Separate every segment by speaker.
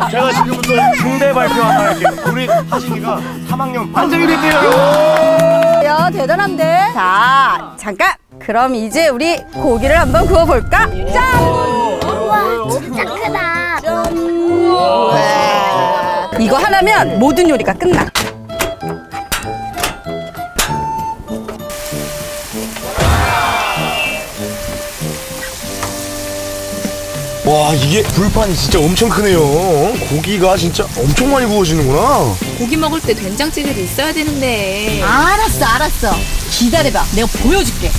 Speaker 1: 제가 지금부터 중대 발표 하나 할게요. 우리 하진이가 3학년 반장이 됐대요.
Speaker 2: 야, 대단한데? 자, 잠깐. 그럼 이제 우리 고기를 한번 구워볼까? 짠!
Speaker 3: 우와, 진짜 크다.
Speaker 2: 와. 이거 하나면 모든 요리가 끝나.
Speaker 1: 와, 이게 불판이 진짜 엄청 크네요. 고기가 진짜 엄청 많이 구워지는구나.
Speaker 4: 고기 먹을 때 된장찌개도 있어야 되는데.
Speaker 2: 알았어. 기다려봐. 내가 보여줄게.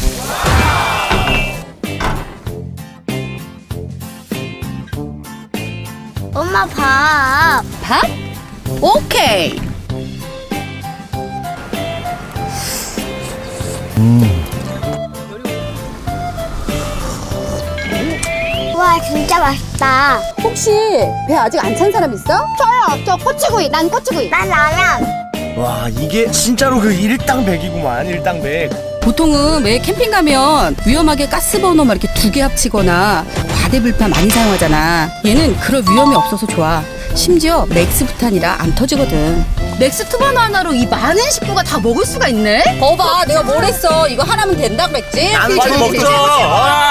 Speaker 3: 엄마 밥.
Speaker 2: 밥? 오케이.
Speaker 3: 우와, 진짜 맛있다.
Speaker 2: 혹시 배 아직 안 찬 사람 있어? 저요. 저 꼬치구이. 난 꼬치구이.
Speaker 3: 난 라면.
Speaker 1: 와, 이게 진짜로 그 일당백이구만. 일당백.
Speaker 2: 보통은 왜 캠핑 가면 위험하게 가스버너 막 이렇게 두 개 합치거나 과대불판 많이 사용하잖아. 얘는 그럴 위험이 없어서 좋아. 심지어 맥스 부탄이라 안 터지거든. 맥스 투버너 하나로 이 많은 식구가 다 먹을 수가 있네? 거봐, 내가 뭘 했어. 이거 하나면 된다 그랬지?
Speaker 1: 빨리 먹자.